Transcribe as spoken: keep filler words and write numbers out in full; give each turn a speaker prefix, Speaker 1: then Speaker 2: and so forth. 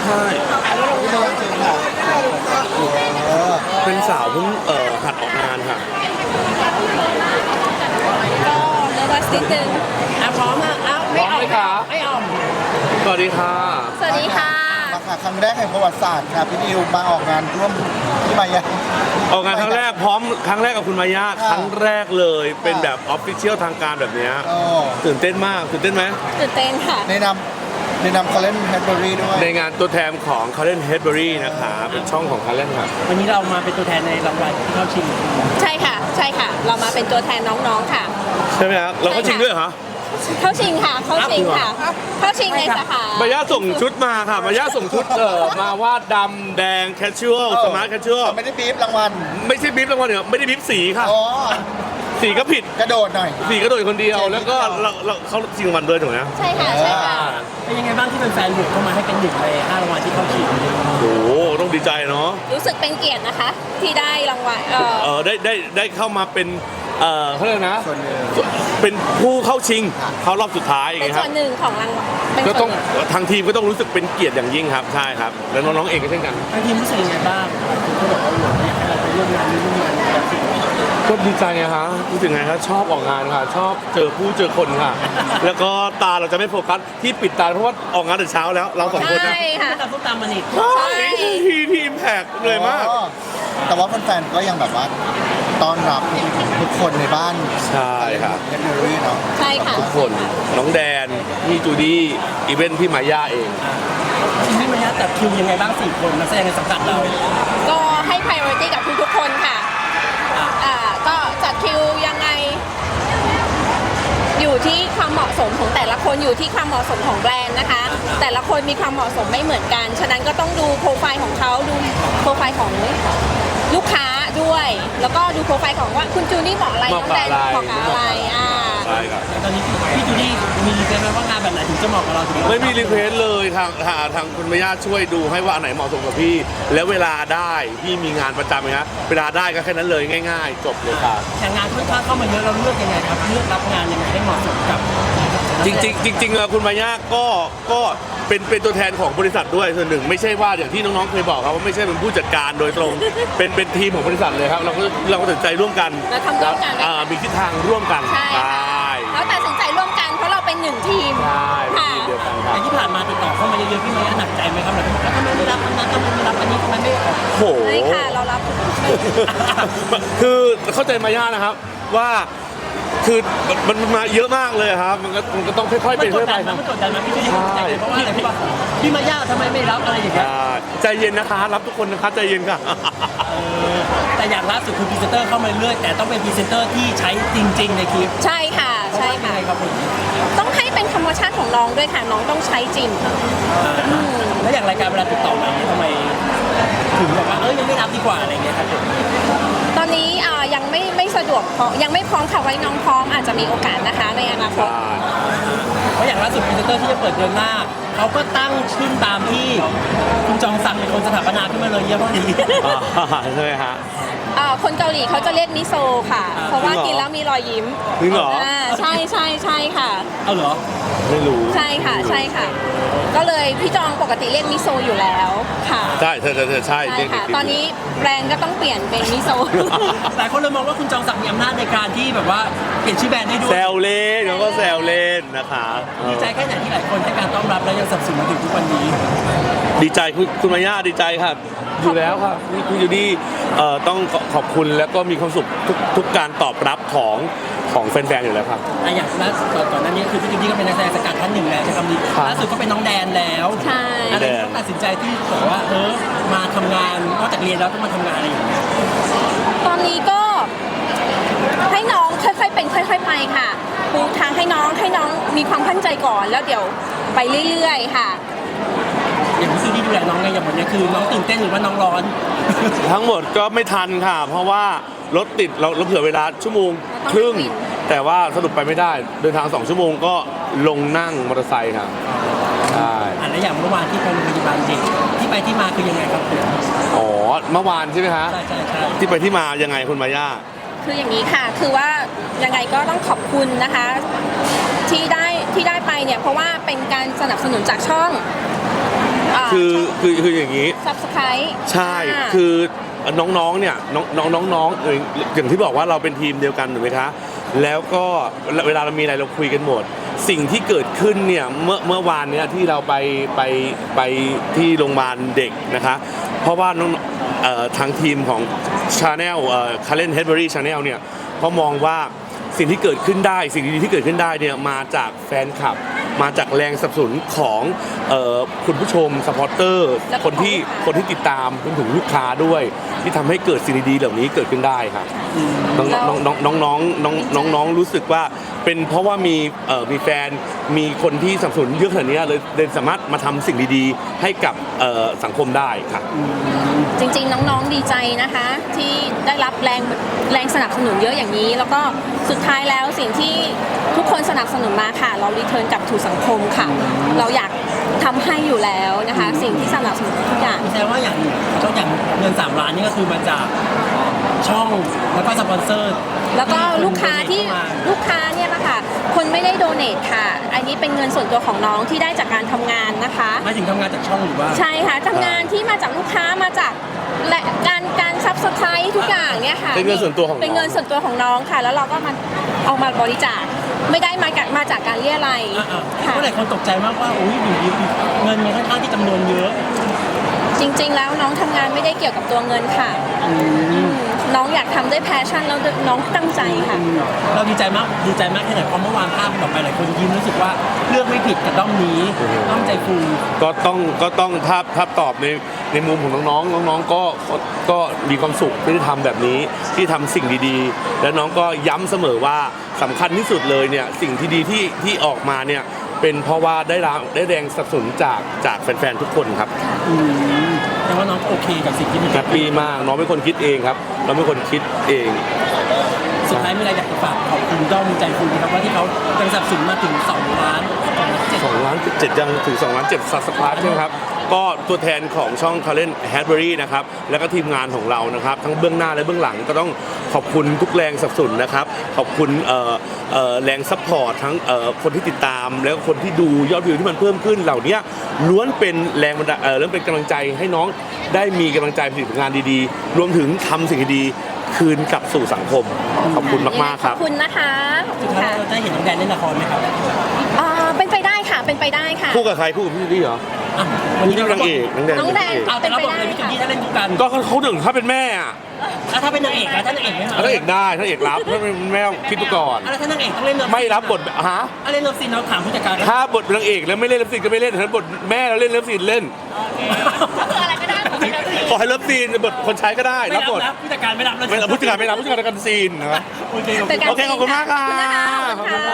Speaker 1: ใช่เป็นสาวเพิ่งเอ่อหัดออกงานค่ะ
Speaker 2: ก็เนื้อวัสนิดนึงอ่ะพร้อมอ่ะอ้าวไม่ออกไม่ออก
Speaker 1: สวัสดีค่ะ
Speaker 2: สวัสดีค่ะ
Speaker 3: มาค่ะครั้งแรกแห่งประวัติศาสตร์ค่ะพี่นิวมาออกงานร่วมที่มายา
Speaker 1: ออกงานครั้งแรกพร้อมครั้งแรกกับคุณมายาครั้งแรกเลยเป็นแบบออฟฟิเชียลทางการแบบนี้ตื่นเต้นมากตื่นเต้นไหม
Speaker 2: ตื่นเต้นค่ะ
Speaker 3: ในนำในนำคาร์เลนเฮดเบอรี่ด้วย
Speaker 1: ในงานตัวแทนของคาร์เลนเฮดเบอรี่นะคะเป็นช่องของคาร์เลนครับ
Speaker 4: วันนี้เรามาเป็นตัวแทนในรางวัลที่เข้าชิง
Speaker 2: ใช่ค่ะใช่ค่ะเรามาเป็นตัวแทนน้องๆค่ะ
Speaker 1: ใช่ไหมครับเราก็ชิงด้วยเหรอ
Speaker 2: เข้าชิงค่ะเข้าชิงค่ะเข้าชิงในสาขาม
Speaker 1: ายาส่งชุดมาค่ะมายาส่งชุดเออมาวาดดำแดงแคชชวลสมาร์ทแคชชวล
Speaker 3: ไม่ได้บีบรางวัล
Speaker 1: ไม่ใช่บีบรางวัลเนี่ยไม่ได้บีบสีค่ะสีก็ผิด
Speaker 3: กระโดดหน่อย
Speaker 1: สีกระโดดคนเดียวแล้วก็เราเราเขาชิงรางวัลด้วยถูกไหม
Speaker 2: ใช่ค่ะใช่ค่ะ
Speaker 4: เป็นยังไงบ้างที่เป็นแฟนบุกเข้ามาให้เป็นหนึ่งในห้ารางวัลที่เข้าชิง
Speaker 1: โอ้โหต้องดีใจเนาะ
Speaker 2: รู้สึกเป็นเกียรตินะคะที่ได้รางวัล
Speaker 1: เออได้ได้ได้เข้ามาเป็นเออเขาเรียกนะเป็นผู้เข้าชิงเข้ารอบสุดท้ายอย่าง
Speaker 2: เงี้ยครับเป็นส่วนหนึ่งของรางวัล
Speaker 1: ก็ต้องทางทีมก็ต้องรู้สึกเป็นเกียรติอย่างยิ่งครับใช่ครับแล้วน้องๆเองก็เช่นกัน
Speaker 4: ทางทีมรู้สึกยังไงบ้างเขาบอกว่าอยากให้เราไปร่วมงานนี้ร่วมงานแบบสิ่ง
Speaker 1: ก็ดีใจนะฮะรู้สึกไงครับชอบออกงานค่ะชอบเจอผู้เจอคนค่ะแล้วก็ตาเราจะไม่โฟกัสที่ปิดตาเพราะว่าออกงานแต่เช้าแล้วเราสองคน
Speaker 2: นะใช่ค่ะ
Speaker 4: ตาส้มตำมันอีก
Speaker 1: ใช่ทีทีมแพกเลยมาก
Speaker 3: แต่ว่าแฟนๆก็ยังแบบว่าต้อนรับทุกคนในบ้าน
Speaker 1: ใช่ครับ
Speaker 3: เฮดเบอรี่เนาะ
Speaker 2: ใช่ค่ะ
Speaker 1: ทุกคนน้องแดนพี่จูดี้อีเวนท์พี่มาย่าเอง
Speaker 4: พี่มาย่าแต่คิวยังไงบ้างสี่คนนักแสดงในสังกัดเรา
Speaker 2: ก็ให้ priority กับทุกๆคนค่ะอ่าก็จัดคิวยังไงอยู่ที่ความเหมาะสมของแต่ละคนอยู่ที่ความเหมาะสมของแบรนด์นะคะแต่ละคนมีความเหมาะสมไม่เหมือนกันฉะนั้นก็ต้องดูโปรไฟล์ของเขาดูโปรไฟล์ของลูกค้าด้วยแล้วก็ดูโปรไฟล์ของว่าคุณจูนี่เหมาะอะไรน้องแดนเหมาะกับอะไรอ่า
Speaker 1: ใช่ครับ
Speaker 4: ตอนนี้พี่จูนี่มีรีเควสต์ไหมว่างานแบบไหนถึงจะเหมาะกับเรา
Speaker 1: ไม่มีรีเควสต์เลยทางทางคุณแม่ย่าช่วยดูให้ว่าอันไหนเหมาะสมกับพี่แล้วเวลาได้พี่มีงานประจำไหมครับเวลาได้ก็แค่นั้นเลยง่ายๆจบเลยครับ
Speaker 4: แต่งานค่อนข้างเข้ามาเยอะเราเลือกยังไงครับเลือกรับงานยังไงให้เหมาะสมกับ
Speaker 1: จริงจริงจริงๆคุณมาย่าก็ก็เป็นเป็นตัวแทนของบริษัทด้วยส่วนหนึ่งไม่ใช่ว่าอย่างที่น้องๆเคยบอกครับว่าไม่ใช่เป็นผู้จัดการโดยตรงเป็นเป็นทีมของบริษัทเลยครับเราก็เราก็ตัดสินใจร่วมกัน
Speaker 2: เราทำร่วมกัน
Speaker 1: มีทิศทางร่วมกัน
Speaker 2: ใช่เราตัดสินใจร่วมกันเพราะเราเป็นหนึ่งทีม
Speaker 1: ใช่เดียวกันครับ
Speaker 4: ที่ผ่านมาติดต่อเข้ามาเยอะๆพี่มาย่าหนักใจไหมครับแบบทำไมไม่รับอันนั้นทำไมไม่รับอันนี้ทำไมไม่ออก
Speaker 1: โอ้
Speaker 2: ไม่ค่ะเรารับ
Speaker 1: คือเข้าใจมาย่านะครับว่าคือมันมาเยอะมากเลยครับมันก็มันก็ต้องค่อยๆเป็นค่อยๆไป
Speaker 4: มันกดดันมันพี่จะยิ่งใจเพราะว่าอะไรพี่พี่มาย่าทำไมไม่รับอะไรอย่างเงี้ย
Speaker 1: ใจเย็นนะคะรับทุกคนนะคะใจเย็นค่ะ
Speaker 4: แต่อย่างล่าสุดคือพรีเซนเตอร์เข้ามาเรื่อยแต่ต้องเป็นพรีเซนเตอร์ที่ใช้จริงๆในคลิป
Speaker 2: ใช่ค่ะใช่ค่ะต้องให้เป็นธรรมชาติของน้องด้วยค่ะน้องต้องใช้จริง
Speaker 4: แล้วอย่างรายการเวลาติดต่อมาทำไมถึงบอกว่าเอ้ยยังไม่รับดีกว่าอะไรเงี้ยครับ
Speaker 2: ตอนนี้ยังไม่ไม่สะดวกยังไม่พร้อมค่ะไว้น้องพร้อมอาจจะมีโอกาสนะคะในอนาคต
Speaker 4: เพราะอย่างล่าสุดพรีเซนเตอร์ที่จะเปิดเดือนหน้าเขาก็ตั้งชื่อตามที่คุณจองศักดิ์เป็นคนสถาปนาขึ้นมาเลยเยอะมากดี
Speaker 1: ใช่ไหมฮะ
Speaker 2: คนเกาหลีเขาจะเรียกมิโซค่ะเพราะว่ากินแล้วมีรอยยิ้ม
Speaker 1: จริงเหรอ
Speaker 2: ใช่ใช่ใช่ค่ะ
Speaker 4: เอาเหรอ
Speaker 1: ไม่รู้
Speaker 2: ใช่ค่ะใช่ค่ะก็เลยพี่จองปกติเรียกมิโซอยู่แล้วค่ะ
Speaker 1: ใช่ใช่ใช่ใช่
Speaker 2: ค่ะตอนนี้แบรนด์ก็ต้องเปลี่ยนเป็นมิโซ
Speaker 4: หลายคนเลยมองว่าคุณจองศักดิ์มีอำนาจในการที่แบบว่าเปลี่ยนชื่อแบรนด์ได้ด้วย
Speaker 1: แซวเล่นแล้วก็แซวเล่นนะคะ
Speaker 4: ดีใจแค่ไหนที่หลายคนให้การต้อนรับและยังสนับสนุนมาถึงทุกวันนี้
Speaker 1: ดีใจคุณคุณมาย่าดีใจครับอยู่แล้วครับคุณยูดี้ต้องขอบคุณแล้วก็มีความสุขทุกทุกการตอบรับของของแฟนๆอยู่แล้วครับ
Speaker 4: อย่างล่าสุดก่อนหน้านี้คือพี่จูดี้ก็เป็นนักแสดงสกัดท่านหนึ่งแล้วใช่คำนี้ล่าสุดก็เป็นน้องแดนแล้ว
Speaker 2: ใช่
Speaker 4: อะไรต้องตัดสินใจที่บอกว่าเออมาทำงานนอกจากเรียนแล้วต้องมาทำงานอะไรอย่างเงี้ย
Speaker 2: ตอนนี้ก็ให้น้องค่อยๆเป็นค่อยๆไปค่ะปูทางให้น้องให้น้องมีความมั่นใจก่อนแล้วเดี๋ยวไปเรื่อยๆค่ะ
Speaker 4: อย่างพี่จูดี้ดูแลน้องไงอย่างวันนี้คือน้องตื่นเต้นหรือว่าน้องร้อน
Speaker 1: ทั้งหมดก็ไม่ทันค่ะเพราะว่ารถติดเราเราเผื่อเวลาชั่วโมงครึ่งแต่ว่าสรุปไปไม่ได้เดินทางสองชั่วโมงก็ลงนั่งมอเตอร์ไซค์ครับใช่
Speaker 4: อันแล้วอย่างเมื่อวานที่ไปโรงพยาบาลเด็กที่ไปที่มาคือยังไงครับ
Speaker 1: อ๋อเมื่อวานใช่ไหมคะ
Speaker 4: ใช่ใช่ใช่
Speaker 1: ที่ไปที่มายังไงคุณมาย่า
Speaker 2: คืออย่างนี้ค่ะคือว่ายังไงก็ต้องขอบคุณนะคะที่ได้ที่ได้ไปเนี่ยเพราะว่าเป็นการสนับสนุนจากช่องอ่า
Speaker 1: คือคือคืออย่างนี้
Speaker 2: ซับสไครต์
Speaker 1: ใช่คือน้องๆเนี่ยน้องน้องน้องๆเอ่ยอย่างที่บอกว่าเราเป็นทีมเดียวกันถูกไหมคะแล้วก็เวลาเรามีอะไรเราคุยกันหมด สิ่งที่เกิดขึ้นเนี่ยเมื่อเมื่อวานเนี่ยที่เราไปไปไปที่โรงพยาบาลเด็กนะคะเพราะว่าน้องเอ่อทางทีมของ Channel เอ่อ Karen Hedberry Channel เนี่ยเขามองว่าสิ่งที่เกิดขึ้นได้สิ่งดีๆที่เกิดขึ้นได้เนี่ยมาจากแฟนคลับ มาจากแรงสนับสนุนของเอ่อคุณผู้ชมสปอร์เตอร์
Speaker 2: แล้วก็
Speaker 1: คนที่
Speaker 2: ของลูกค้า
Speaker 1: คนที่ติดตามรวมถึงลูกค้าด้วย ที่ทำให้เกิดสิ่งดีๆเหล่านี้เกิดขึ้นได้ครับน้อง
Speaker 2: แล้ว
Speaker 1: น้องน้องน้องน้องน้องน้องน้องรู้สึกว่าเป็นเพราะว่ามีเอ่อมีแฟนมีคนที่สนับสนุนเยอะขนาดนี้เลยเลยสามารถมาทำสิ่งดีๆ ให้กับเอ่อสังคมได้ครับ
Speaker 2: จริงๆ น้องๆ ดีใจนะคะ ที่ได้รับแรงแรงสนับสนุนเยอะอย่างนี้ แล้วก็สุดท้ายแล้วสิ่งที่ทุกคนสนับสนุนมาค่ะ เรารีเทิร์นกลับถูสังคมค่ะ เราอยากทำให้อยู่แล้วนะคะ สิ่งที่สนับสนุนทุกอย่าง
Speaker 4: แสดงว่าอย่างก็อย่างเงินสามล้านนี่ก็คือมาจากช่องแล้วก็สปอนเซอร์
Speaker 2: แล้วก็ลูกค้าที่
Speaker 4: เข้ม
Speaker 2: ลูกค้าเนี่ยนะคะคนไม่ได้โดเนทค่ะ อันนี้เป็นเงินส่วนตัวของน้องที่ได้จากการทำงานนะคะ
Speaker 4: หมายถึงทำงานจากช่องหรือว่า
Speaker 2: ใช่ค่ะทำงานที่มาจากลูกค้ามาจากและการการซับสไครต์ทุกอย่างเนี่ยค่ะ
Speaker 1: เป็นเงินส่วนตัวของน้อง
Speaker 2: เป็นเงินส่วนตัวของน้องค่ะ แล้วเราก็มาเอามาบริจาคไม่ได้มาจากมาจากการเรียอะไรย
Speaker 4: อ่าๆ
Speaker 2: ค่ะ
Speaker 4: ก็หลายคนตกใจมากว่าอุ้ยอยู่ดีเงินมันค่อนข้างที่จำนวนเยอะ
Speaker 2: จริง ๆ แล้วน้องทำงานไม่ได้เกี่ยวกับตัวเงินค่ะอืมน้องอยากทำด้วยแพชชั่นแล้วน้องตั้งใจค่ะ
Speaker 4: เราดีใจมากดีใจมากแค่ไหนเพราะเมื่อวานภาพมันออกไปหลายคนยิ้มรู้สึกว่าเลือกไม่ผิดกับด้อมนี้ด้อมใจฟู
Speaker 1: ก็ต้องก็ต้องถ้าถ้าตอบในในมุมของน้องๆน้องๆก็ก็ก็มีความสุขที่ได้ทำแบบนี้ที่ทำสิ่งดีๆ แล้วน้องก็ย้ำเสมอว่าสำคัญที่สุดเลยเนี่ยสิ่งที่ดีที่ที่ออกมาเนี่ยเป็นเพราะว่าได้รับได้แรงสนับสนุนจากจากแฟนๆทุกคนครับ
Speaker 4: อืมแต่ว่าน้องก็โอเคกับสิ่งที่มัน
Speaker 1: แฮปปี้มากน้องเป็นคนคิดเองครับเราเป็นคนคิดเอง
Speaker 4: สุดท้ายมีอะไรอยากจะฝากขอบคุณด้อมใจฟูนะครับว่าที่เขาเป็นสนับสนุนมาถึงสองล้านเจ็ด
Speaker 1: สองล้านเจ็ดยังถึงสองล้านเจ็ดซับสไครต์ใช่ไหมครับก็ตัวแทนของช่อง Karen Hedberry นะครับแล้วก็ทีมงานของเรานะครับทั้งเบื้องหน้าและเบื้องหลังก็ต้องขอบคุณทุกแรงสนับสนุนนะครับขอบคุณเอ่อเอ่อแรงซัพพอร์ตทั้งเอ่อคนที่ติดตามแล้วก็คนที่ดูยอดวิวที่มันเพิ่มขึ้นเหล่านี้ล้วนเป็นแรงบันดาลเอ่อเรื่องเป็นกำลังใจให้น้องได้มีกำลังใจผลิตงานดีๆ รวมถึงทำสิ่งดีๆคืนกลับสู่สังคมขอบคุณมากๆค
Speaker 2: ข
Speaker 1: รั
Speaker 2: อ
Speaker 1: บบ
Speaker 2: คุณนะคะขอบคุ
Speaker 4: สุ
Speaker 2: ณ
Speaker 4: ดท้าย
Speaker 2: ค่ะ
Speaker 4: เราได้เห็นน้องแดนเล่นละครไหมครับ
Speaker 2: อ่าเป็นไปได้ค่ะเป็นไปได้ค่ะ
Speaker 1: คู่กับใครคู่กับพี่ลี่เหรอ
Speaker 4: อ่ะ
Speaker 1: คู่ที่นางเอกนางแดง
Speaker 2: น้องแดง
Speaker 1: เป็นนางเอก
Speaker 4: เอาแต่เราบอกเลยพี่จุกี้ถ้าเล่นคู่กัน
Speaker 1: ก็เขาถึงเขาเป็นแม่อะ
Speaker 4: แล้วถ้าเป็นนางเอกแล้วถ้านางเอกไม่มา
Speaker 1: ถ้าเอกได้ถ้าเอกรับถ้าเป็นแม่คิดดูก่อน
Speaker 4: แล้วถ้านางเอกต้องเล่นเลิฟ
Speaker 1: ไม่รับบทฮะ
Speaker 4: ถ้าเล่นเลิฟซีนเราถามผู้จัดการ
Speaker 1: ถ้าบทเป็นนางเอกแล้วไม่เล่นเลิฟซีนก็ไม่เล่นถ้าบทแม่เราเล่นเลิฟซีนเล่น
Speaker 2: คืออะไรก็ได้ขอให้เราดี
Speaker 1: ขอให้เลิฟซีนบทคนใช้ก็ได้
Speaker 4: ไม่
Speaker 1: รั
Speaker 4: รั
Speaker 1: บบ บบ ท
Speaker 4: นะผู้จัดการไม่รับเลย
Speaker 1: ไม่รับผู้จัดการไม่รับผู้จัดการกันซีนนะครับ
Speaker 4: โอเค
Speaker 1: โอเคขอบคุณมากค่ะ
Speaker 2: ขอบคุณนะคะ